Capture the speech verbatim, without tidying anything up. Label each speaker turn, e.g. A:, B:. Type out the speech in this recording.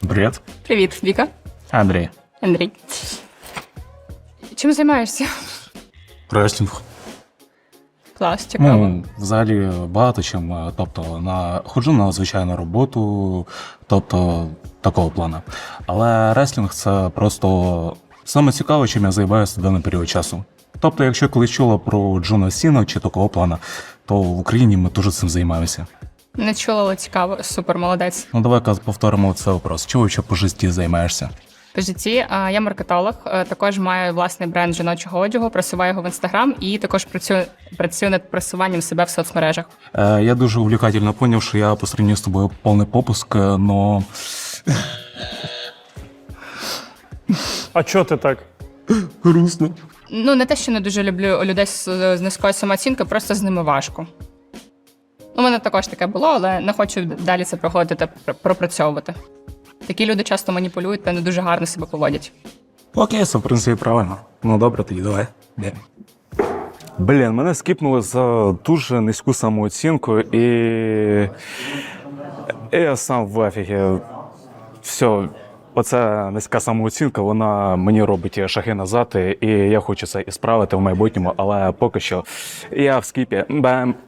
A: Привет.
B: Привіт, Віка.
A: Андрій.
B: Андрій. Чим займаєшся?
A: Реслінг.
B: Клас, цікаво.
A: Ну, взагалі багато чим. Тобто, на ходжу на звичайну роботу, тобто такого плану. Але реслінг це просто саме цікаве, чим я займаюся в даний період часу. Тобто, якщо колись чула про Джона Сіна чи такого плану, то в Україні ми дуже цим займаємося.
B: Не чула, але цікаво. Супер, молодець.
A: Ну, давай-ка повторимо цей вопрос. Чого ще по житті займаєшся?
B: По житті а, я маркетолог, а, також маю власний бренд жіночого одягу, просуваю його в інстаграм і також працюю, працюю над просуванням себе в соцмережах.
A: Е, я дуже увлекательно понял, що я по сравнению з тобою повний попуск, но...
C: А чого ти так?
A: Грустно.
B: Ну, не те, що не дуже люблю людей з, з низькою самооцінкою, просто з ними важко. У мене також таке було, але не хочу далі це проходити та пр- пропрацьовувати. Такі люди часто маніпулюють та не дуже гарно себе поводять.
A: Окей, це в принципі правильно. Ну добре, тоді давай. Де?
C: Блін, мене скіпнули за дуже низьку самооцінку і... і я сам в афігі. Все, оця низька самооцінка, вона мені робить шаги назад, і я хочу це і справити в майбутньому, але поки що я в скіпі. Бам!